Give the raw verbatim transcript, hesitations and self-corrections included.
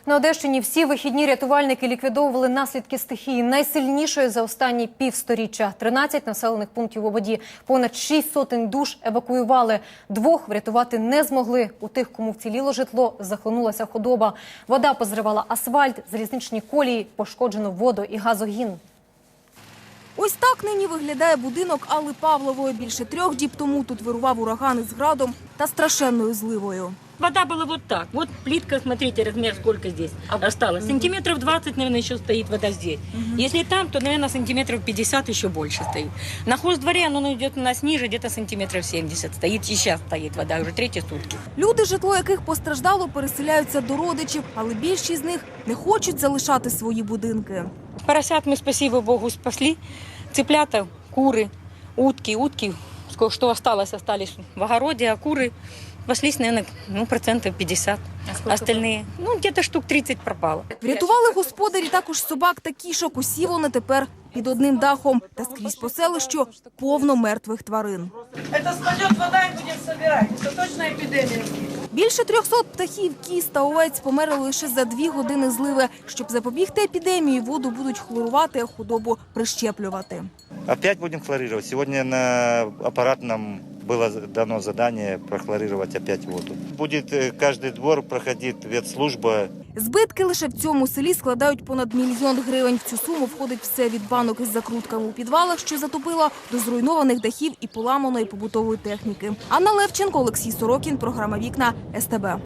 На Одещині всі вихідні рятувальники ліквідовували наслідки стихії найсильнішої за останні півсторіччя. тринадцять населених пунктів у воді, понад шість сотень душ евакуювали. Двох врятувати не змогли. У тих, кому вціліло житло, захлинулася худоба. Вода позривала асфальт, залізничні колії, пошкоджено водо- і газогін. Ось так нині виглядає будинок Алли Павлової. Більше трьох діб тому тут вирував ураган із градом та страшенною зливою. Вода была вот так. Вот плитка, смотрите, размер сколько здесь осталось. Сантиметров двадцать, наверное, еще стоит вода здесь. Если там, то, наверное, сантиметров пятьдесят еще больше стоит. На хоздворе оно идет у нас ниже, где-то сантиметров семьдесят стоит. И сейчас стоит вода, уже третьи сутки. Люди, житло яких постраждало, переселяються до родичів, але більшість з них не хочуть залишати свої будинки. Поросят мы, спасибо Богу, спасли. Цыплята, куры, утки. Утки, что осталось, остались в огороде, а куры спаслись, наверное, ну, процентов пятьдесят. А Остальные, ну, где-то штук тридцать пропало. Врятували господарі також собак та кішок. Усі вони тепер під одним дахом. Та скрізь по селищу повно мертвих тварин. Это спадет вода и будем собирать. Это точно эпидемия. Більше трьохсот птахів, кіз та овець померли лише за дві години зливи. Щоб запобігти епідемії, воду будуть хлорувати, а худобу прищеплювати. Опять будем хлорировать. Сегодня на аппарат нам было дано задание прохлорировать опять воду. Будет каждый двор проходить ветслужба. Збитки лише в цьому селі складають понад мільйон гривень. В цю суму входить все від банок із закрутками у підвалах, що затопило, до зруйнованих дахів і поламаної побутової техніки. Анна Левченко, Олексій Сорокін, програма «Вікна», ес те бе.